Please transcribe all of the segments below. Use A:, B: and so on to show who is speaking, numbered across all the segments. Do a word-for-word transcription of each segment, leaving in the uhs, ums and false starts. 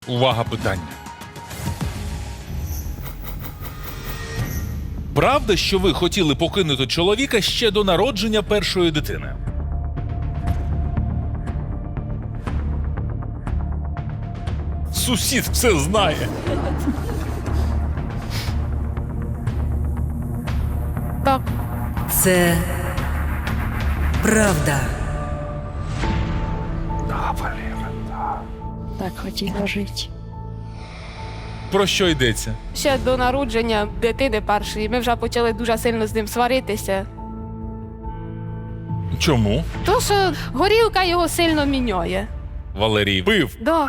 A: Увага, питання. Правда, що ви хотіли покинути чоловіка ще до народження першої дитини? Сусід все знає.
B: Так.
C: Це правда.
A: Да, Валера, да.
B: Так хотіла жити.
A: Про що йдеться?
B: Ще до народження дитини першої ми вже почали дуже сильно з ним сваритися.
A: Чому?
B: То, що горілка його сильно міняє.
A: Валерій пив.
B: Да.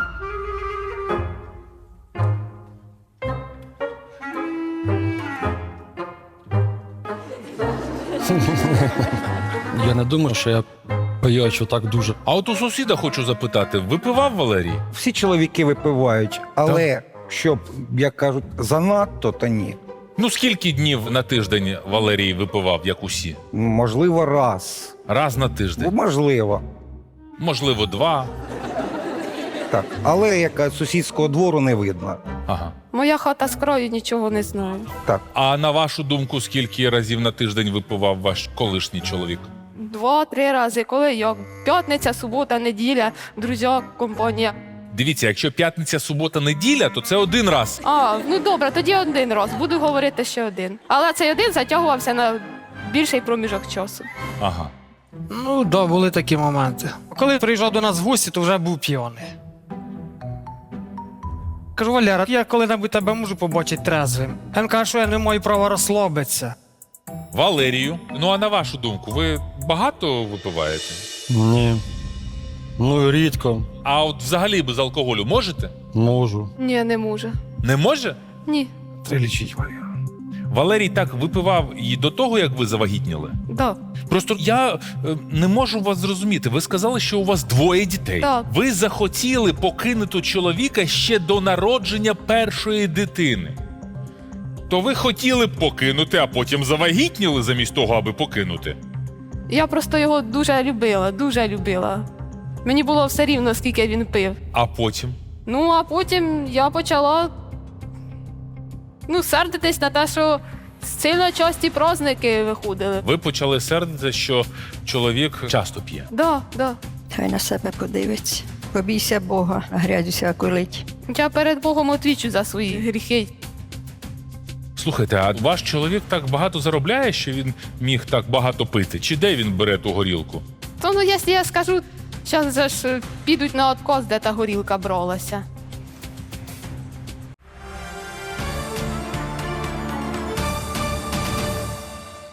D: Я не думаю, що я пиячу так дуже.
A: А от у сусіда хочу запитати, випивав Валерій?
E: Всі чоловіки випивають, але щоб, як кажуть, занадто, то ні.
A: Ну, скільки днів на тиждень Валерій випивав, як усі?
E: Можливо, раз.
A: Раз на тиждень.
E: Можливо.
A: Можливо, два.
E: Так. Але як кажуть, сусідського двору не видно.
A: Ага.
B: Моя хата з краю, нічого не знаю.
E: Так.
A: А на вашу думку, скільки разів на тиждень випивав ваш колишній чоловік?
B: Два-три рази, коли як. П'ятниця, субота, неділя, друзі, компанія.
A: Дивіться, якщо п'ятниця, субота, неділя, то це один раз.
B: А, ну добре, тоді один раз. Буду говорити ще один. Але цей один затягувався на більший проміжок часу.
A: Ага.
F: Ну, да, були такі моменти. Коли приїжджав до нас в гості, то вже був п'яний. Кажу, Валера, я коли-небудь тебе можу побачити трезвим. Він каже, що я не маю права розслабитися.
A: Валерію, ну а на вашу думку, ви багато випиваєте?
D: Ні. Ну, рідко.
A: А от взагалі без алкоголю можете?
D: Можу.
B: Ні, не може.
A: Не може?
B: Ні.
E: Треба лічити, Валера.
A: Валерій так випивав і до того, як ви завагітніли?
B: Да.
A: Просто я е, не можу вас зрозуміти. Ви сказали, що у вас двоє дітей.
B: Так.
A: Ви захотіли покинути чоловіка ще до народження першої дитини. То ви хотіли б покинути, а потім завагітніли замість того, аби покинути.
B: Я просто його дуже любила, дуже любила. Мені було все рівно, скільки він пив.
A: А потім?
B: Ну, а потім я почала ну, сердитись на те, що сильно часті праздники виходили.
A: Ви почали сердитися, що чоловік часто п'є.
B: Да, да.
G: Хай на себе подивиться. Побійся Бога, а грязь усяку лить.
B: Я перед Богом отвічу за свої гріхи.
A: Слухайте, а ваш чоловік так багато заробляє, що він міг так багато пити? Чи де він бере ту горілку?
B: То ну, якщо я скажу, зараз же ж підуть на откос, де та горілка бралася.